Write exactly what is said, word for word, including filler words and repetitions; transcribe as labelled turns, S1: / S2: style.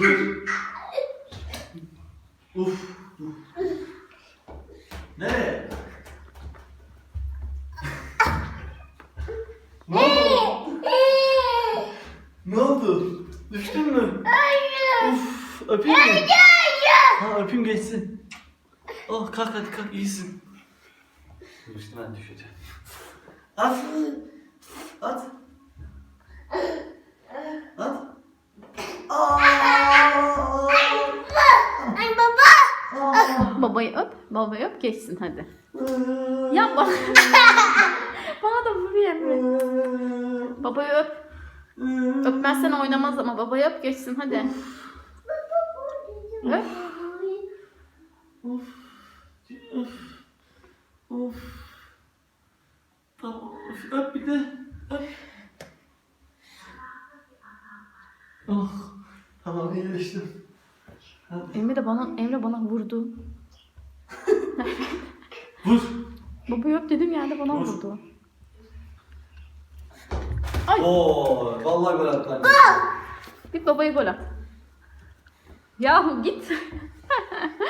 S1: Dur. Uf. Nereye? Ne oldu? Ne oldu? Düştün mü?
S2: Hayır.
S1: Uf, öpeyim mi?
S2: Hayır.
S1: Ha, öpeyim geçsin. Oh, kalk hadi kalk, iyisin. Düştü, ben düşeceğim. At. At. At. Aa!
S2: Ay baba.
S1: Aa!
S3: Babayı öp. Babayı öp geçsin hadi. Yapma. Bana da vuruyor Emre. Babayı öp. Öpmezsen oynamaz ama babayı öp geçsin hadi. Öp.
S1: Of. Of. Of. Tamam. Öp bir de. Öp. Oh. Tamam, iyileştim. Hadi.
S3: Emre de bana Emre bana vurdu.
S1: Vur.
S3: Babayı öp dedim yerde bana
S1: Vur.
S3: vurdu.
S1: Oo, vallahi gol attı anne.
S3: Git babayı gol at. Yahu git.